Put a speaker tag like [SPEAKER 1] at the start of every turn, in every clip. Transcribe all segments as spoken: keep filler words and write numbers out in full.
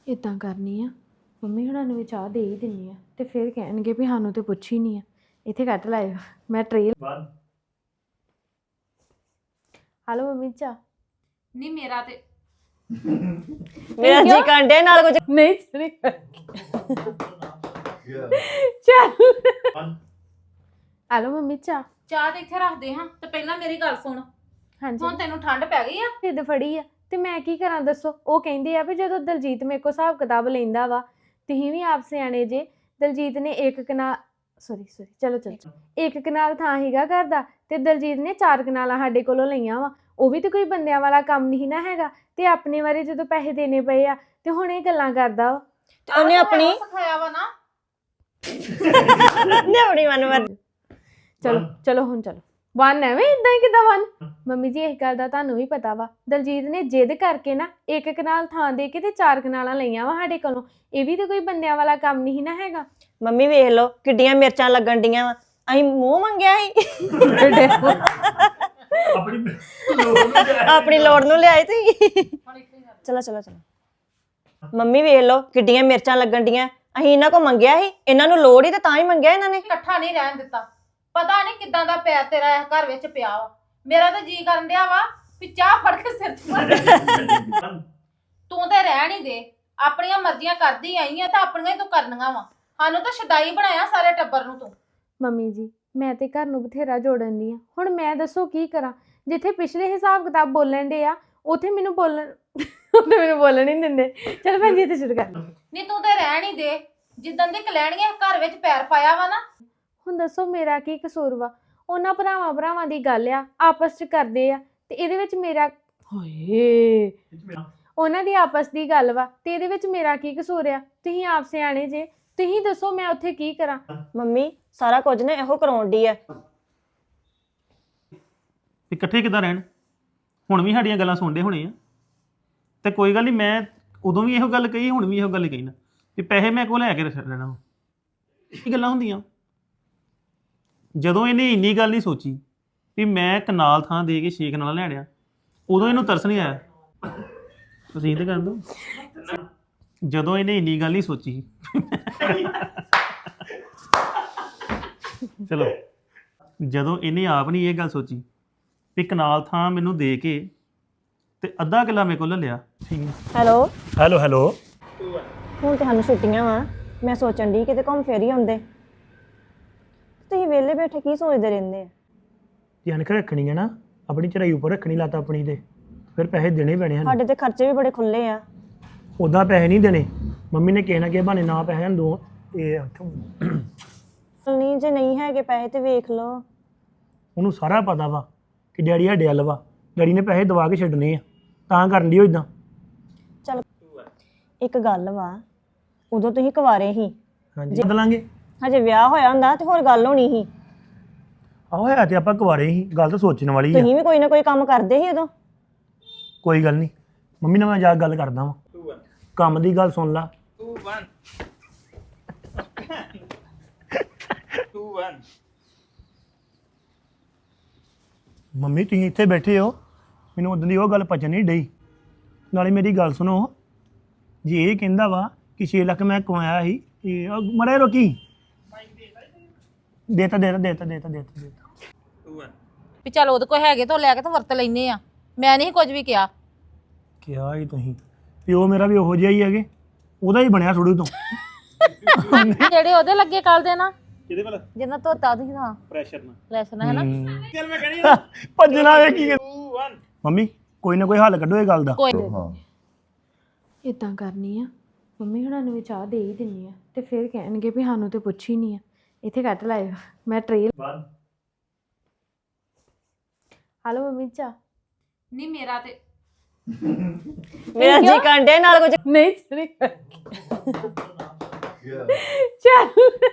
[SPEAKER 1] ਇਦਾਂ ਕਰਨੀ ਆ ਮੰਮੀ ਹੁਣਾਂ ਨੂੰ ਵੀ ਚਾਹ ਦੇ ਹੀ ਦਿੰਨੀ ਆ ਤੇ ਫਿਰ ਕਹਿਣਗੇ ਵੀ ਸਾਨੂੰ ਤੇ ਪੁੱਛ ਹੀ ਨਹੀਂ ਆ। ਇੱਥੇ ਕੱਟ ਲਾਇਓ ਮੈਂ ਟ੍ਰੇ ਹਲੋ ਮੰਮੀ ਚਾਹ
[SPEAKER 2] ਨਹੀਂ ਮੇਰਾ ਤੇ
[SPEAKER 3] ਮੇਰਾ ਜੀ ਕੰਡੇ ਨਾਲ ਕੁਝ
[SPEAKER 1] ਨਹੀਂ ਸਰੀ ਚੱਲ ਹਲੋ ਮੰਮੀ ਚਾਹ
[SPEAKER 2] ਚਾਹ ਤੇ ਇੱਥੇ ਰੱਖਦੇ ਹਾਂ ਤੇ ਪਹਿਲਾਂ ਮੇਰੀ ਗੱਲ ਸੁਣ।
[SPEAKER 1] ਹਾਂਜੀ
[SPEAKER 2] ਹੁਣ ਤੈਨੂੰ ਠੰਡ ਪੈ ਗਈ ਆ?
[SPEAKER 1] ਢਿੱਡ ਫੜੀ ਆ ਤੇ ਮੈਂ ਕੀ ਕਰਾਂ ਦੱਸੋ। ਉਹ ਕਹਿੰਦੇ ਆ ਵੀ ਜਦੋਂ ਦਲਜੀਤ ਮੇਰੇ ਕੋਲ ਹਿਸਾਬ ਕਿਤਾਬ ਲੈਂਦਾ ਵਾ ਤੁਸੀਂ ਵੀ ਆਪ ਸਿਆਣੇ ਜੇ। ਦਲਜੀਤ ਨੇ ਇੱਕ ਕਨਾਲ ਸੌਰੀ ਸੌਰੀ ਚਲੋ ਚਲੋ ਇੱਕ ਕਨਾਲ ਥਾਂ ਹੀਗਾ ਘਰ ਦਾ ਤੇ ਦਲਜੀਤ ਨੇ ਚਾਰ ਕਨਾਲਾਂ ਸਾਡੇ ਕੋਲੋਂ ਲਈਆਂ ਵਾ। ਉਹ ਵੀ ਤੇ ਕੋਈ ਬੰਦਿਆਂ ਵਾਲਾ ਕੰਮ ਨਹੀਂ ਨਾ ਹੈਗਾ ਤੇ ਆਪਣੇ ਬਾਰੇ ਜਦੋਂ ਪੈਸੇ ਦੇਣੇ ਪਏ ਆ ਤੇ ਹੁਣ ਇਹ ਗੱਲਾਂ ਕਰਦਾ ਵਾ।
[SPEAKER 3] ਤੇ ਉਹਨੇ ਆਪਣੀ
[SPEAKER 2] ਸਿਖਾਇਆ ਵਾ ਨਾ
[SPEAKER 3] ਨੇ ਆਪਣੀ ਮਨਮਰ
[SPEAKER 1] ਚਲੋ ਚਲੋ ਹੁਣ ਚਲੋ ਵਨ ਐਵੇਂ ਇਦਾਂ ਹੀ ਕਿਦਾਂ ਵਨ। ਮੰਮੀ ਜੀ ਇਸ ਗੱਲ ਦਾ ਤੁਹਾਨੂੰ ਵੀ ਪਤਾ ਵਾ ਦਲਜੀਤ ਨੇ ਜਿੱਦ ਕਰਕੇ ਨਾ ਇੱਕ ਕਨਾਲ ਥਾਂ ਦੇ ਕੇ ਤੇ ਚਾਰ ਕਨਾਲਾਂ ਲਈਆਂ ਵਾ ਸਾਡੇ ਕੋਲੋਂ। ਇਹ ਵੀ ਤੇ ਕੋਈ ਬੰਦਿਆਂ ਵਾਲਾ ਕੰਮ ਨਹੀਂ ਨਾ ਹੈਗਾ।
[SPEAKER 3] ਮੰਮੀ ਵੇਖ ਲਓ ਕਿੱਡੀਆਂ ਮਿਰਚਾਂ ਲੱਗਣ ਡੀਆਂ ਵਾ। ਅਸੀਂ ਮੂੰਹ ਮੰਗਿਆ ਸੀ ਆਪਣੀ ਲੋੜ ਨੂੰ ਲਿਆਏ ਤੁਸੀਂ। ਚਲੋ ਚਲੋ ਚਲੋ ਮੰਮੀ ਵੇਖ ਲਓ ਕਿੱਡੀਆਂ ਮਿਰਚਾਂ ਲੱਗਣ ਡੀਆਂ। ਅਸੀਂ ਇਹਨਾਂ ਕੋ ਮੰਗਿਆ ਸੀ, ਇਹਨਾਂ ਨੂੰ ਲੋੜ ਹੀ ਤੇ ਤਾਂ ਹੀ ਮੰਗਿਆ ਇਹਨਾਂ ਨੇ।
[SPEAKER 2] ਇਕੱਠਾ ਨਹੀਂ ਰਹਿਣ ਦਿੱਤਾ। ਪਤਾ ਨਹੀਂ ਕਿੱਦਾਂ ਦਾ ਪੈਰ ਤੇਰਾ ਇਸ ਘਰ ਵਿੱਚ ਪਿਆ ਵਾ। ਮੇਰਾ ਤਾਂ ਜੀ ਕਰਨ ਡਿਆ ਵਾ ਵੀ ਚਾਹ ਫੜ ਕੇ ਸਿਰ 'ਚ ਮਾਰ ਤੂੰ ਤੇ ਰਹਿਣ ਹੀ ਦੇ। ਆਪਣੀਆਂ ਮਰਜ਼ੀਆਂ ਕਰਦੀ ਆਈ ਆ ਤਾਂ ਆਪਣੀਆਂ ਹੀ ਤੂੰ ਕਰਨੀਆਂ ਵਾ। ਸਾਨੂੰ ਤਾਂ ਛਡਾਈ ਬਣਾਇਆ ਸਾਰੇ ਟੱਬਰ ਨੂੰ ਤੂੰ।
[SPEAKER 1] ਮੰਮੀ ਜੀ ਮੈਂ ਤੇ ਘਰ ਨੂੰ ਬਥੇਰਾ ਜੋੜਨ ਦੀ ਆ। ਹੁਣ ਮੈਂ ਦੱਸੋ ਕੀ ਕਰਾਂ। ਜਿੱਥੇ ਪਿਛਲੇ ਹਿਸਾਬ ਕਿਤਾਬ ਬੋਲਣ ਦੇ ਆ ਉੱਥੇ ਮੈਨੂੰ ਬੋਲਣ ਉੱਥੇ ਮੈਨੂੰ ਬੋਲਣ ਹੀ ਨਹੀਂ ਦਿੰਦੇ। ਚਲ ਭੈਣ ਜੀ ਇੱਥੇ ਸ਼ੁਰੂ ਕਰ।
[SPEAKER 2] ਨਹੀਂ ਤੂੰ ਤੇ ਰਹਿਣ ਹੀ ਦੇ। ਜਿੱਦਣ ਦੀ ਕਲੈਣੀਆਂ ਘਰ ਵਿੱਚ ਪੈਰ ਪਾਇਆ ਵਾ ਨਾ।
[SPEAKER 1] ਹੁਣ ਦੱਸੋ ਮੇਰਾ ਕੀ ਕਸੂਰ ਵਾ। ਉਹਨਾਂ ਭਰਾਵਾਂ ਭਰਾਵਾਂ ਦੀ ਗੱਲ ਆ ਆਪਸ 'ਚ ਕਰਦੇ ਆ ਤੇ ਇਹਦੇ ਵਿੱਚ ਮੇਰਾ ਹਾਏ ਉਹਨਾਂ ਦੀ ਆਪਸ ਦੀ ਗੱਲ ਵਾ ਤੇ ਇਹਦੇ ਵਿੱਚ ਮੇਰਾ ਕੀ ਕਸੂਰ ਆ। ਤੁਸੀਂ ਆਪ ਸਿਆਣੇ ਜੇ ਤੁਸੀਂ ਦੱਸੋ ਮੈਂ ਉੱਥੇ ਕੀ ਕਰਾਂ।
[SPEAKER 3] ਮੰਮੀ ਸਾਰਾ ਕੁਝ ਨਾ ਇਹੋ ਕਰਾਉਣ ਦੀ ਆ।
[SPEAKER 4] ਇਕੱਠੇ ਕਿੱਦਾਂ ਰਹਿਣ। ਹੁਣ ਵੀ ਸਾਡੀਆਂ ਗੱਲਾਂ ਸੁਣਦੇ ਹੋਣੇ ਆ ਤੇ ਕੋਈ ਗੱਲ ਨਹੀਂ। ਮੈਂ ਉਦੋਂ ਵੀ ਇਹੋ ਗੱਲ ਕਹੀ ਹੁਣ ਵੀ ਇਹੋ ਗੱਲ ਕਹੀ ਨਾ ਵੀ ਪੈਸੇ ਮੈਂ ਕੋਲ ਲੈ ਕੇ ਰੱਖ ਲੈਣਾ। ਇਹ ਗੱਲਾਂ ਹੁੰਦੀਆਂ। ਜਦੋਂ ਇਹਨੇ ਇੰਨੀ ਗੱਲ ਨਹੀਂ ਸੋਚੀ ਵੀ ਮੈਂ ਕਨਾਲ ਥਾਂ ਦੇ ਕੇ ਛੇ ਕਨਾਲ ਲੈਣਿਆ ਉਦੋਂ ਇਹਨੂੰ ਤਰਸ ਨਹੀਂ ਆਇਆ। ਤੁਸੀਂ ਤੇ ਕਰ ਦੋ। ਜਦੋਂ ਇਹਨੇ ਇੰਨੀ ਗੱਲ ਨਹੀਂ ਸੋਚੀ ਚਲੋ ਜਦੋਂ ਇਹਨੇ ਆਪ ਨਹੀਂ ਇਹ ਗੱਲ ਸੋਚੀ ਵੀ ਕਨਾਲ ਥਾਂ ਮੈਨੂੰ ਦੇ ਕੇ ਤੇ ਅੱਧਾ ਕਿੱਲਾ ਮੇਰੇ ਕੋਲ ਲੈ ਲਿਆ। ਠੀਕ ਹੈ
[SPEAKER 3] ਹੈਲੋ
[SPEAKER 4] ਹੈਲੋ ਹੈਲੋ
[SPEAKER 3] ਹੁਣ ਤੁਹਾਨੂੰ ਛੁੱਟੀਆਂ ਵਾ। ਮੈਂ ਸੋਚਣ ਦੀ ਕਿਤੇ ਘੁੰਮ ਫੇਰ ਹੀ ਆਉਂਦੇ। ਤੁਸੀਂ ਵਿਹਲੇ ਬੈਠੇ ਕੀ ਸੋਚਦੇ ਰਹਿੰਦੇ ਆ?
[SPEAKER 5] ਧਿਆਨ ਰੱਖਣੀ ਹੈ ਨਾ ਆਪਣੀ ਚੜਾਈ ਉੱਪਰ ਰੱਖਣੀ ਲੱਤ ਆਪਣੀ ਤੇ ਫਿਰ ਪੈਸੇ ਦੇਣੇ ਪੈਣੇ ਹਨ।
[SPEAKER 3] ਸਾਡੇ ਤੇ ਖਰਚੇ ਵੀ ਬੜੇ ਖੁੱਲੇ ਆ।
[SPEAKER 5] ਉੱਦਾਂ ਪੈਸੇ ਨਹੀਂ ਦੇਣੇ। ਮੰਮੀ ਨੇ ਕਿਸੇ ਨਾ ਕਿਸੇ ਬਹਾਨੇ ਨਾ ਪੈਸੇ ਹਨ ਦੋ ਇਹ
[SPEAKER 3] ਨਹੀਂ ਜੇ ਨਹੀਂ ਹੈਗੇ ਪੈਸੇ ਤੇ ਵੇਖ ਲਓ।
[SPEAKER 5] ਉਹਨੂੰ ਸਾਰਾ ਪਤਾ ਵਾ ਕਿ ਡੈਡੀ ਸਾਡੇ ਵੱਲ ਵਾ। ਡੈਡੀ ਨੇ ਪੈਸੇ ਦਵਾ ਕੇ ਛੱਡਣੇ ਆ ਤਾਂ ਕਰਨ ਦੀ ਉਹ ਇਦਾਂ।
[SPEAKER 3] ਚਲ ਇੱਕ ਗੱਲ ਵਾ ਉਦੋਂ ਤੁਸੀਂ ਕੁਵਾਰੇ ਸੀ।
[SPEAKER 5] ਹਾਂਜੀ ਬਦਲਾਂਗੇ।
[SPEAKER 3] ਹਜੇ ਵਿਆਹ ਹੋਇਆ ਹੁੰਦਾ ਤੇ ਹੋਰ ਗੱਲ ਹੋਣੀ ਸੀ।
[SPEAKER 5] ਆਹੋ ਹੈ ਤੇ ਆਪਾਂ ਕੁਵਾਰੇ ਸੀ। ਗੱਲ ਤਾਂ ਸੋਚਣ ਵਾਲੀ ਆ।
[SPEAKER 3] ਤੁਸੀਂ ਵੀ ਕੋਈ ਨਾ ਕੋਈ ਕੰਮ ਕਰਦੇ ਸੀ ਉਦੋਂ।
[SPEAKER 5] ਕੋਈ ਗੱਲ ਨਹੀਂ ਮੰਮੀ ਨਾਲ ਮੈਂ ਜਾ ਕੇ ਗੱਲ ਕਰਦਾ ਵਾਂ। ਕੰਮ ਦੀ ਗੱਲ ਸੁਣ ਲਾ। ਮੰਮੀ ਤੁਸੀਂ ਇੱਥੇ ਬੈਠੇ ਹੋ ਮੈਨੂੰ ਉਦੋਂ ਦੀ ਉਹ ਗੱਲ ਪਚਣ ਨਹੀਂ ਡਈ। ਨਾਲੇ ਮੇਰੀ ਗੱਲ ਸੁਣੋ ਜੇ ਇਹ ਕਹਿੰਦਾ ਵਾ ਕਿ ਛੇ ਲੱਖ ਮੈਂ ਕਮਾਇਆ ਸੀ ਇਹ ਮੜੇ ਰੋਕੀ ਦੇਤਾ ਦੇਤਾ ਦੇਤਾ ਦੇਤਾ ਦੇਤਾ ਦੇਤਾ
[SPEAKER 2] ਵੀ ਚੱਲ ਉਹਦੇ ਕੋਲ ਹੈਗੇ ਤਾਂ ਉਹ ਲੈ ਕੇ ਤਾਂ ਵਰਤ ਲੈਨੇ ਆ। ਮੈਂ ਨਹੀਂ ਕੁਝ ਵੀ ਕਿਹਾ।
[SPEAKER 5] ਕਿਹਾ ਹੀ ਤੁਸੀਂ ਪਿਓ ਮੇਰਾ ਵੀ ਉਹੋ ਜਿਹਾ ਹੀ ਹੈਗੇ। ਉਹਦਾ ਹੀ ਬਣਿਆ ਥੋੜੂ ਤੋਂ
[SPEAKER 2] ਜਿਹੜੇ ਉਹਦੇ ਲੱਗੇ ਕੱਲ ਦੇ ਨਾ
[SPEAKER 4] ਕਿਹਦੇ ਵੱਲ
[SPEAKER 2] ਜਿੰਨਾ ਧੋਤਾ ਤੁਸੀਂ ਹਾਂ
[SPEAKER 4] ਪ੍ਰੈਸ਼ਰ ਨਾਲ
[SPEAKER 2] ਲੈਸਨ ਹੈ ਨਾ।
[SPEAKER 4] ਚੱਲ ਮੈਂ ਕਹਿਣੀ
[SPEAKER 5] ਭੱਜਣਾ ਵੇ ਕੀ ਮੰਮੀ ਕੋਈ ਨਾ ਕੋਈ ਹੱਲ ਕੱਢੋ ਇਹ ਗੱਲ ਦਾ।
[SPEAKER 2] ਕੋਈ
[SPEAKER 1] ਇਦਾਂ ਕਰਨੀ ਆ ਮੰਮੀ ਹੁਣਾਂ ਨੂੰ ਵੀ ਚਾਹ ਦੇ ਹੀ ਦਿੰਨੀ ਆ ਤੇ ਫਿਰ ਕਹਿਣਗੇ ਵੀ ਸਾਨੂੰ ਤੇ ਪੁੱਛ ਹੀ ਨਹੀਂ ਆ। ਇੱਥੇ ਕੱਟ ਲਾਇਓ ਮੈਂ ਟ੍ਰੇ ਹਲੋ ਮੰਮੀ ਚਾਹ
[SPEAKER 2] ਨਹੀਂ ਮੇਰਾ ਤੇ
[SPEAKER 3] ਮੇਰਾ ਜੀ ਕੰਡੇ ਨਾਲ ਕੁਝ
[SPEAKER 1] ਨਹੀਂ ਸਰੀ ਚੱਲ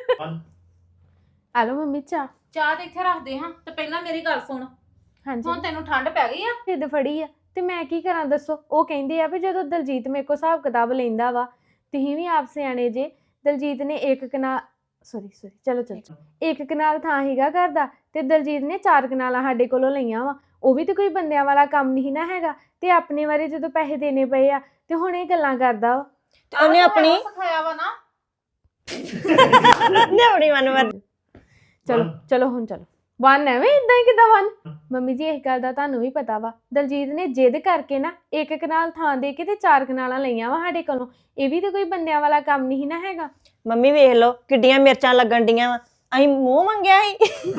[SPEAKER 1] ਹਲੋ ਮੰਮੀ ਚਾਹ
[SPEAKER 2] ਚਾਹ ਤੇ ਇੱਥੇ ਰੱਖਦੇ ਹਾਂ ਤੇ ਪਹਿਲਾਂ ਮੇਰੀ ਗੱਲ ਸੁਣ।
[SPEAKER 1] ਹਾਂਜੀ
[SPEAKER 2] ਹੁਣ ਤੈਨੂੰ ਠੰਡ ਪੈ ਗਈ ਆ?
[SPEAKER 1] ਢਿੱਡ ਫੜੀ ਆ ਤੇ ਮੈਂ ਕੀ ਕਰਾਂ ਦੱਸੋ। ਉਹ ਕਹਿੰਦੇ ਆ ਵੀ ਜਦੋਂ ਦਲਜੀਤ ਮੇਰੇ ਕੋਲ ਹਿਸਾਬ ਕਿਤਾਬ ਲੈਂਦਾ ਵਾ ਤੁਸੀਂ ਵੀ ਆਪ ਸਿਆਣੇ ਜੇ। ਦਲਜੀਤ ਨੇ ਇੱਕ ਕਨਾਲ ਸੌਰੀ ਸੌਰੀ ਚਲੋ ਚਲੋ ਇੱਕ ਕਨਾਲ ਥਾਂ ਹੀਗਾ ਘਰ ਦਾ ਤੇ ਦਲਜੀਤ ਨੇ ਚਾਰ ਕਨਾਲਾਂ ਸਾਡੇ ਕੋਲੋਂ ਲਈਆਂ ਵਾ। ਉਹ ਵੀ ਤੇ ਕੋਈ ਬੰਦਿਆਂ ਵਾਲਾ ਕੰਮ ਨਹੀਂ ਨਾ ਹੈਗਾ ਤੇ ਆਪਣੇ ਬਾਰੇ ਜਦੋਂ ਪੈਸੇ ਦੇਣੇ ਪਏ ਆ ਤੇ ਹੁਣ ਇਹ ਗੱਲਾਂ ਕਰਦਾ ਵਾ।
[SPEAKER 3] ਤੇ ਉਹਨੇ ਆਪਣੀ
[SPEAKER 2] ਸਿਖਾਇਆ ਵਾ ਨਾ
[SPEAKER 3] ਨੇ ਆਪਣੀ ਮਨਮਰਜ਼ੀ
[SPEAKER 1] ਚਲੋ ਚਲੋ ਹੁਣ ਚਲੋ ਵਨ ਐਵੇਂ ਇਦਾਂ ਹੀ ਕਿਦਾਂ ਵਨ ਮੰਮੀ ਜੀ ਇਸ ਗੱਲ ਦਾ ਤੁਹਾਨੂੰ ਵੀ ਪਤਾ ਵਾ ਦਲਜੀਤ ਨੇ ਜਿੱਦ ਕਰਕੇ ਨਾ ਇੱਕ ਕਨਾਲ ਥਾਂ ਦੇ ਕੇ ਤੇ ਚਾਰ ਕਨਾਲਾਂ ਲਈਆਂ ਵਾ ਸਾਡੇ ਕੋਲੋਂ ਇਹ ਵੀ ਤਾਂ ਕੋਈ ਬੰਦਿਆਂ ਵਾਲਾ ਕੰਮ ਨਹੀਂ ਨਾ ਹੈਗਾ
[SPEAKER 3] ਮੰਮੀ ਵੇਖ ਲਓ ਕਿੱਡੀਆਂ ਮਿਰਚਾਂ ਲੱਗਣ ਡੀਆਂ ਵਾ ਅਸੀਂ ਮੂੰਹ ਮੰਗਿਆ ਸੀ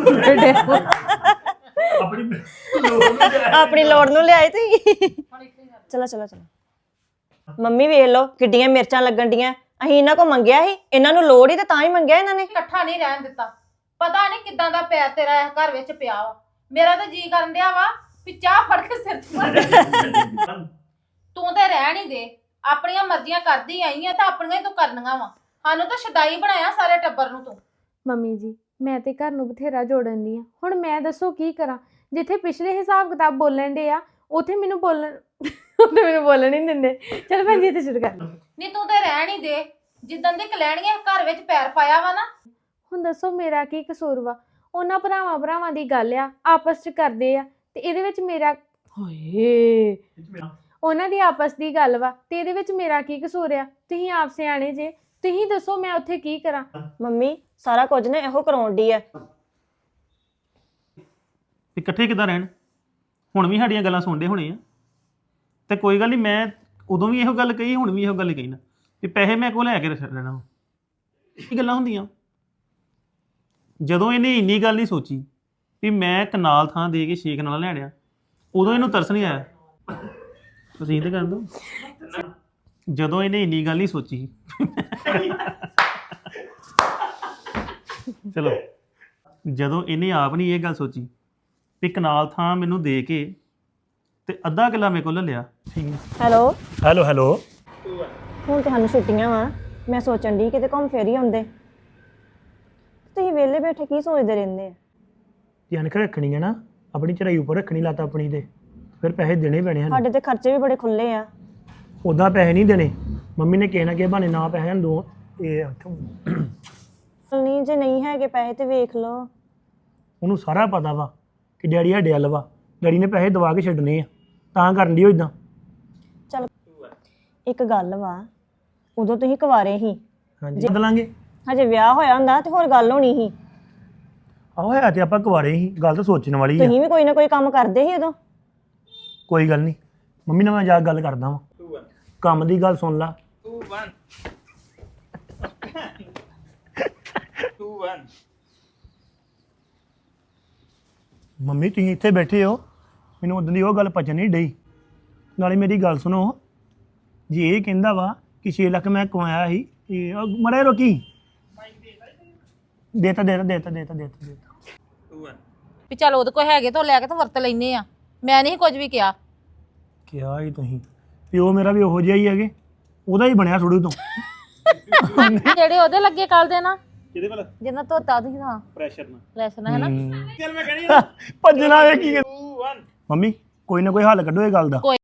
[SPEAKER 5] ਆਪਣੀ ਲੋੜ ਨੂੰ ਲਿਆਏ।
[SPEAKER 3] ਆਪਣੀ ਲੋੜ ਨੂੰ ਲਿਆਏ ਤੁਸੀਂ ਚਲੋ ਚਲੋ ਚਲੋ ਮੰਮੀ ਵੇਖ ਲਓ ਕਿੱਡੀਆਂ ਮਿਰਚਾਂ ਲੱਗਣ ਡੀਆਂ ਅਸੀਂ ਇਹਨਾਂ ਕੋ ਮੰਗਿਆ ਸੀ ਇਹਨਾਂ ਨੂੰ ਲੋੜ ਹੀ ਤੇ ਤਾਂ ਹੀ ਮੰਗਿਆ ਇਹਨਾਂ ਨੇ
[SPEAKER 2] ਇਕੱਠਾ ਨਹੀਂ ਰਹਿਣ ਦਿੱਤਾ ਪਤਾ ਨਹੀਂ ਕਿਦਾਂ ਦਾ ਪਿਆਰ ਤੇਰਾ ਇਸ ਘਰ ਵਿੱਚ ਪਿਆ ਵਾ ਮੇਰਾ ਤਾਂ ਜੀ ਕਰਨ ਡਿਆ ਵਾ ਵੀ ਚਾਹ ਫੜ ਕੇ ਸਿਰ 'ਚ ਮਾਰ ਤੂੰ ਤੇ ਰਹਿਣ ਹੀ ਦੇ ਆਪਣੀਆਂ ਮਰਜ਼ੀਆਂ ਕਰਦੀ ਆਈ ਆ ਤਾਂ ਆਪਣੀਆਂ ਹੀ ਤੂੰ ਕਰਨੀਆਂ ਵਾ ਸਾਨੂੰ ਤਾਂ ਸ਼ਦਾਈ ਬਣਾਇਆ ਸਾਰੇ ਟੱਬਰ ਨੂੰ ਤੂੰ
[SPEAKER 1] ਮੰਮੀ ਜੀ ਮੈਂ ਤੇ ਘਰ ਨੂੰ ਬਥੇਰਾ ਜੋੜਨ ਦੀ ਆ ਹੁਣ ਮੈਂ ਦੱਸੋ ਕੀ ਕਰਾਂ ਜਿੱਥੇ ਪਿਛਲੇ ਹਿਸਾਬ ਕਿਤਾਬ ਬੋਲਣ ਦੇ ਆ ਉਥੇ ਮੈਨੂੰ ਬੋਲਣ ਉਥੇ ਮੈਨੂੰ ਬੋਲਣ ਹੀ ਨਹੀਂ ਦਿੰਦੇ ਚਲ ਭੈਣ ਜੀ ਤੇ ਸ਼ੁਰੂ ਕਰ
[SPEAKER 2] ਨਹੀਂ ਤੂੰ ਤੇ ਰਹਿਣ ਹੀ ਦੇ ਜਿੱਦਣ ਦੀ ਕਲੈਣੀਆਂ ਘਰ ਵਿੱਚ ਪੈਰ ਪਾਇਆ ਵਾ ਨਾ
[SPEAKER 1] ਹੁਣ ਦੱਸੋ ਮੇਰਾ ਕੀ ਕਸੂਰ ਵਾ ਉਹਨਾਂ ਭਰਾਵਾਂ ਭਰਾਵਾਂ ਦੀ ਗੱਲ ਆ ਆਪਸ ਚ ਕਰਦੇ ਆ ਤੇ ਇਹਦੇ ਵਿੱਚ ਮੇਰਾ ਹੋਏ ਉਹਨਾਂ ਦੀ ਆਪਸ ਦੀ ਗੱਲ ਵਾ ਤੇ ਇਹਦੇ ਵਿੱਚ ਮੇਰਾ ਕੀ ਕਸੂਰ ਆ ਤੁਸੀਂ ਆਪ ਸਿਆਣੇ ਜੇ ਤੁਸੀਂ ਦੱਸੋ ਮੈਂ ਉੱਥੇ ਕੀ ਕਰਾਂ
[SPEAKER 3] ਮੰਮੀ ਸਾਰਾ ਕੁਝ ਨੇ ਇਹੋ ਕਰਾਉਣ ਦੀ ਆ
[SPEAKER 4] ਇਕੱਠੇ ਕਿੱਦਾਂ ਰਹਿਣ ਹੁਣ ਵੀ ਸਾਡੀਆਂ ਗੱਲਾਂ ਸੁਣਦੇ ਹੋਣੇ ਆ ਤੇ ਕੋਈ ਗੱਲ ਨਹੀਂ ਮੈਂ ਉਦੋਂ ਵੀ ਇਹੋ ਗੱਲ ਕਹੀ ਹੁਣ ਵੀ ਇਹੋ ਗੱਲ ਕਹੀ ਨਾ ਕਿ ਪੈਸੇ ਮੈਂ ਕੋਲ ਲੈ ਕੇ ਰੱਖ ਲੈਣਾ ਇਹ ਗੱਲਾਂ ਹੁੰਦੀਆਂ ਜਦੋਂ ਇਹਨੇ ਇੰਨੀ ਗੱਲ ਨਹੀਂ ਸੋਚੀ ਵੀ ਮੈਂ ਕਨਾਲ ਥਾਂ ਦੇ ਕੇ ਛੇ ਕਨਾਲ ਲੈਣਿਆ ਉਦੋਂ ਇਹਨੂੰ ਤਰਸ ਨਹੀਂ ਆਇਆ ਤੁਸੀਂ ਤੇ ਕਰ ਦੋ ਜਦੋਂ ਇਹਨੇ ਇੰਨੀ ਗੱਲ ਨਹੀਂ ਸੋਚੀ ਚਲੋ ਜਦੋਂ ਇਹਨੇ ਆਪ ਨਹੀਂ ਇਹ ਗੱਲ ਸੋਚੀ ਵੀ ਕਨਾਲ ਥਾਂ ਮੈਨੂੰ ਦੇ ਕੇ ਤੇ ਅੱਧਾ ਕਿੱਲਾ ਮੇਰੇ ਕੋਲ ਲੈ ਲਿਆ ਠੀਕ ਹੈ
[SPEAKER 3] ਹੈਲੋ
[SPEAKER 5] ਹੈਲੋ ਹੈਲੋ
[SPEAKER 3] ਹੁਣ ਤੇ ਸਾਨੂੰ ਛੁੱਟੀਆਂ ਵਾ ਮੈਂ ਸੋਚਣ ਦੀ ਕਿਤੇ ਘੁੰਮ ਫੇਰ ਹੀ ਆਉਂਦੇ ਤੁਸੀਂ ਵਿਹਲੇ ਬੈਠੇ ਕੀ ਸੋਚਦੇ ਰਹਿੰਦੇ ਆ
[SPEAKER 5] ਜੇ ਅਣਖ ਰੱਖਣੀ ਹੈ ਨਾ ਆਪਣੀ ਚੜਾਈ ਉੱਪਰ ਰੱਖਣੀ ਲੱਤ ਆਪਣੀ ਤੇ ਫਿਰ ਪੈਸੇ ਦੇਣੇ ਪੈਣੇ ਹਨ
[SPEAKER 3] ਸਾਡੇ ਤੇ ਖਰਚੇ ਵੀ ਬੜੇ ਖੁੱਲੇ ਆ
[SPEAKER 5] ਉਦਾਂ ਪੈਸੇ ਨਹੀਂ ਦੇਣੇ ਮੰਮੀ ਨੇ ਕਿਸੇ ਨਾ ਕਿਸੇ ਬਹਾਨੇ ਨਾ ਪੈਸੇ ਦੋ ਇਹ
[SPEAKER 3] ਨਹੀਂ ਜੇ ਨਹੀਂ ਹੈਗੇ ਪੈਸੇ ਤੇ ਵੇਖ ਲਓ
[SPEAKER 5] ਉਹਨੂੰ ਸਾਰਾ ਪਤਾ ਵਾ ਕਿ ਡੈਡੀ ਸਾਡੇ ਵੱਲ ਵਾ ਡੈਡੀ ਨੇ ਪੈਸੇ ਦਵਾ ਕੇ ਛੱਡਣੇ ਆ ਤਾਂ ਕਰਨ ਦੀ ਉਹ ਇਦਾਂ
[SPEAKER 3] ਚਲ ਇੱਕ ਗੱਲ ਵਾ ਉਦੋਂ ਤੁਸੀਂ ਕੁਵਾਰੇ ਸੀ
[SPEAKER 5] ਹਾਂਜੀ ਬਦਲਾਂਗੇ
[SPEAKER 3] ਹਜੇ ਵਿਆਹ ਹੋਇਆ ਹੁੰਦਾ ਤੇ ਹੋਰ ਗੱਲ ਹੋਣੀ ਸੀ
[SPEAKER 5] ਆਹੋ ਹੈ ਤੇ ਆਪਾਂ ਕੁਵਾਰੇ ਸੀ ਗੱਲ ਤਾਂ ਸੋਚਣ ਵਾਲੀ ਆ
[SPEAKER 3] ਤੁਸੀਂ ਵੀ ਕੋਈ ਨਾ ਕੋਈ ਕੰਮ ਕਰਦੇ ਸੀ ਉਦੋਂ
[SPEAKER 5] ਕੋਈ ਗੱਲ ਨਹੀਂ ਮੰਮੀ ਨਾਲ ਮੈਂ ਜਾ ਕੇ ਗੱਲ ਕਰਦਾ ਵਾਂ ਕੰਮ ਦੀ ਗੱਲ ਸੁਣ ਲਾ ਮੰਮੀ ਤੁਸੀਂ ਇੱਥੇ ਬੈਠੇ ਹੋ ਮੈਨੂੰ ਉਦੋਂ ਦੀ ਉਹ ਗੱਲ ਪਚਣ ਨਹੀਂ ਡਈ ਨਾਲੇ ਮੇਰੀ ਗੱਲ ਸੁਣੋ ਜੇ ਇਹ ਕਹਿੰਦਾ ਵਾ ਕਿ ਛੇ ਲੱਖ ਮੈਂ ਕਮਾਇਆ ਸੀ ਇਹ ਮੜਾ ਰੋਕੀ ਦੇਤਾ ਦੇਤਾ ਦੇਤਾ ਦੇਤਾ ਦੇਤਾ ਦੇਤਾ
[SPEAKER 2] ਵੀ ਚੱਲ ਉਹਦੇ ਕੋਲ ਹੈਗੇ ਤਾਂ ਲੈ ਕੇ ਤਾਂ ਵਰਤ ਲੈਨੇ ਆ ਮੈਂ ਨਹੀਂ ਕੁਝ ਵੀ ਕਿਹਾ
[SPEAKER 5] ਕਿਹਾ ਹੀ ਤੁਸੀਂ ਪਿਓ ਮੇਰਾ ਵੀ ਉਹੋ ਜਿਹਾ ਹੀ ਹੈਗੇ ਉਹਦਾ ਹੀ ਬਣਿਆ ਥੋੜੂ ਤੋਂ
[SPEAKER 2] ਜਿਹੜੇ ਉਹਦੇ ਲੱਗੇ ਕੱਲ ਦੇ ਨਾ
[SPEAKER 4] ਕਿਹਦੇ ਵੱਲ
[SPEAKER 2] ਜਿੰਨਾ ਧੋਤਾ ਤੁਸੀਂ ਹਾਂ
[SPEAKER 4] ਪ੍ਰੈਸ਼ਰ ਨਾਲ
[SPEAKER 2] ਲੈਸਨ ਹੈ ਨਾ
[SPEAKER 4] ਚੱਲ ਮੈਂ ਕਹਿਣੀ
[SPEAKER 5] ਭੱਜਣਾ ਵੇ ਕੀ ਮੰਮੀ ਕੋਈ ਨਾ ਕੋਈ ਹੱਲ ਕੱਢੋ ਇਹ ਗੱਲ ਦਾ